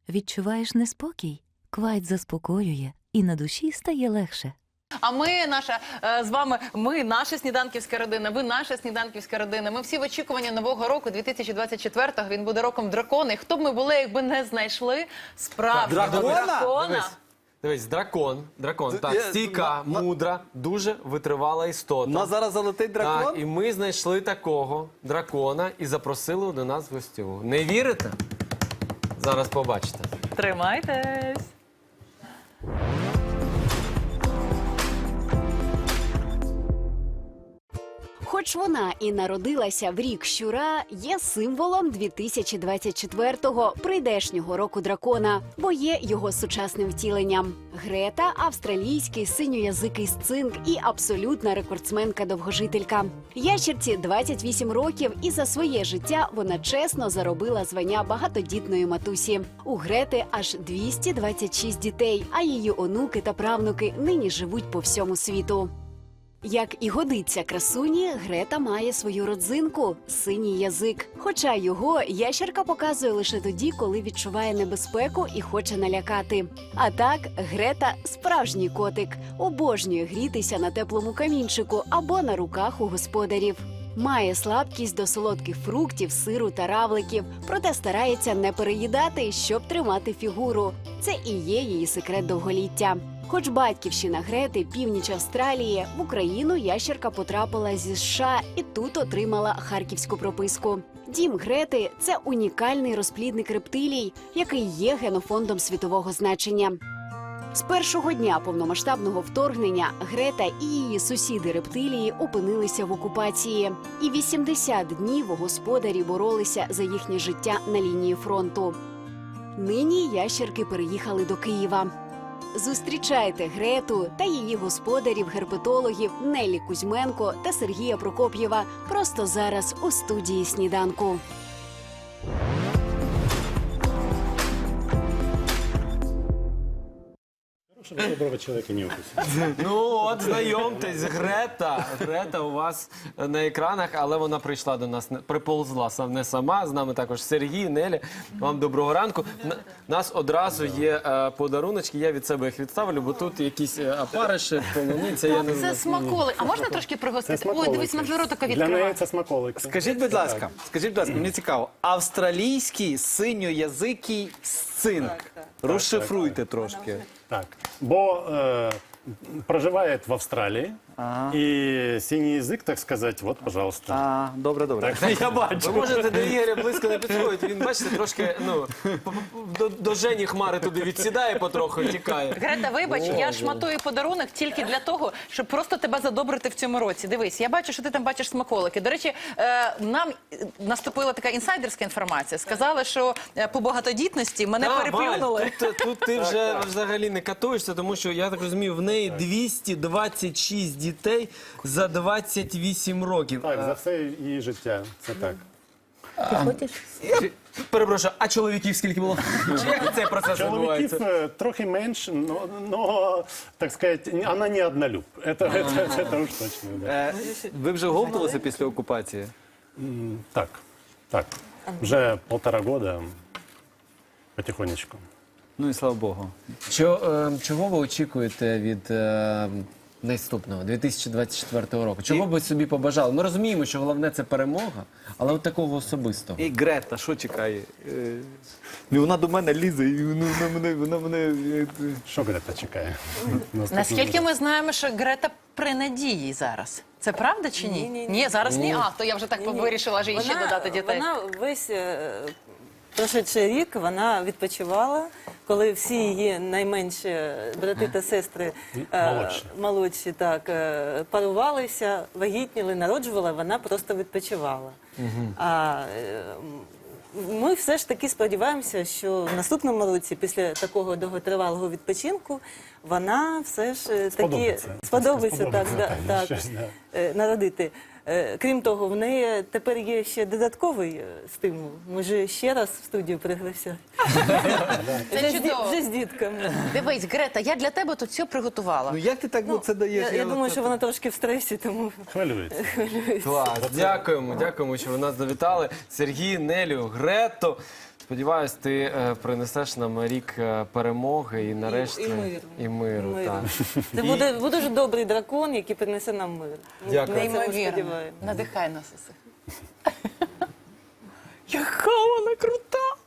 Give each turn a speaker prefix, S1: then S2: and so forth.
S1: Відчуваєш неспокій? Квайт заспокоює, і на душі стає легше.
S2: А ми, з вами, наша сніданківська родина, ви наша сніданківська родина. Ми всі в очікуванні Нового року, 2024-го. Він буде роком дракона. І хто б ми були, якби не знайшли справжнього дракона?
S3: Дивись, дракон, так, стійка, мудра, дуже витривала істота.
S4: У нас зараз залетить дракон?
S3: Так, і ми знайшли такого дракона і запросили до нас в гостю. Не вірите? Зараз побачите.
S2: Тримайтесь!
S5: Хоч вона і народилася в рік щура, є символом 2024-го, прийдешнього року дракона, бо є його сучасним втіленням. Грета – австралійський синьоязикий сцинк і абсолютна рекордсменка-довгожителька. Ящерці 28 років, і за своє життя вона чесно заробила звання багатодітної матусі. У Грети аж 226 дітей, а її онуки та правнуки нині живуть по всьому світу. Як і годиться красуні, Грета має свою родзинку – синій язик. Хоча його ящерка показує лише тоді, коли відчуває небезпеку і хоче налякати. А так, Грета – справжній котик. Обожнює грітися на теплому камінчику або на руках у господарів. Має слабкість до солодких фруктів, сиру та равликів, проте старається не переїдати, щоб тримати фігуру. Це і є її секрет довголіття. Хоч батьківщина Грети – північ Австралії, в Україну ящерка потрапила зі США і тут отримала харківську прописку. Дім Грети – це унікальний розплідник рептилій, який є генофондом світового значення. З першого дня повномасштабного вторгнення Грета і її сусіди-рептилії опинилися в окупації. І 80 днів господарі боролися за їхнє життя на лінії фронту. Нині ящерки переїхали до Києва. Зустрічайте Грету та її господарів-герпетологів Неллі Кузьменко та Сергія Прокоп'єва просто зараз у студії «Сніданку».
S6: Чтобы доброго человека не укусить.
S3: Ну от, знайомтесь, Грета у вас на екранах, але вона прийшла до нас, приповзла не сама, з нами також Сергій, Нелі. Вам доброго ранку. Нас одразу є подаруночки, я від себе їх відставлю, бо тут якісь опариші, полуниця, я не знаю.
S2: Це смаколи. А можна трошки пригостити? Ой, дивись, Мадлерота
S6: Для неї
S2: відкриває.
S6: це смаколики.
S4: Скажіть, будь ласка, мені цікаво, австралійський синьоязикий сцинк. Розшифруйте трошки.
S6: Так, бо проживает в Австралии, и синий язык, так сказать, вот, пожалуйста.
S4: Добре. Я бачу.
S3: Ви можете до Ігоря близько не підходити, він, бачите, трошки, до Жені Хмари туди відсідає потроху, тікає.
S2: Грета, вибач, я шматую подарунок тільки для того, щоб просто тебе задобрити в цьому році. Дивись, я бачу, що ти там бачиш смаколики. До речі, нам наступила така інсайдерська інформація. Сказали, що по багатодітності мене переплюнули.
S3: Тут ти вже взагалі не катуєшся, тому що, я так розумію, в неї 226 дітей за 28 років.
S6: Так, за все її життя, це так.
S3: Перепрошую, а чоловіків скільки було? Як цей процес відбувається?
S6: Чоловіків трохи менше, но, так сказать, вона не однолюб. Це уж точно, да.
S4: Ви вже говталися після окупації?
S6: Так. Вже 1,5 года, потихонечку.
S4: Ну і слава Богу.
S3: Чого ви очікуєте від наступного, 2024 року? Чого б ви собі побажали? Ми розуміємо, що головне – це перемога, але от такого особистого.
S4: І Грета, що чекає? Вона до мене лізе, і вона мене...
S6: Що Грета чекає?
S2: Наскільки ми знаємо, що Грета при надії зараз. Це правда чи ні? Ні, зараз ні. А, то я вже так вирішила, що їй ще додати дітей.
S7: Вона весь прошедший рік вона відпочивала, коли всі її найменші брати та сестри молодші парувалися, вагітніли, народжувала, вона просто відпочивала. А ми все ж таки сподіваємося, що в наступному році, після такого довготривалого відпочинку, вона все ж таки сподобається народити. Крім того, в неї тепер є ще додатковий стимул. Може ще раз в студію пригласять.
S2: Це чудово.
S7: Вже з дітками.
S2: Дивись, Грета, я для тебе тут все приготувала.
S4: Ну як ти так це даєш?
S7: Я думаю, що вона трошки в стресі, тому...
S6: Хвилюється.
S3: Клас, дякуємо, що ви нас завітали. Сергій, Нелю, Грету. Сподіваюсь, ти принесеш нам рік перемоги і нарешті
S7: і миру.
S3: миру. Так.
S7: Це буде дуже добрий дракон, який принесе нам мир. Ми
S3: Дякую.
S7: на це
S2: Неймовірно.
S7: сподіваємося.
S2: Надихай нас усіх. Яка вона крута!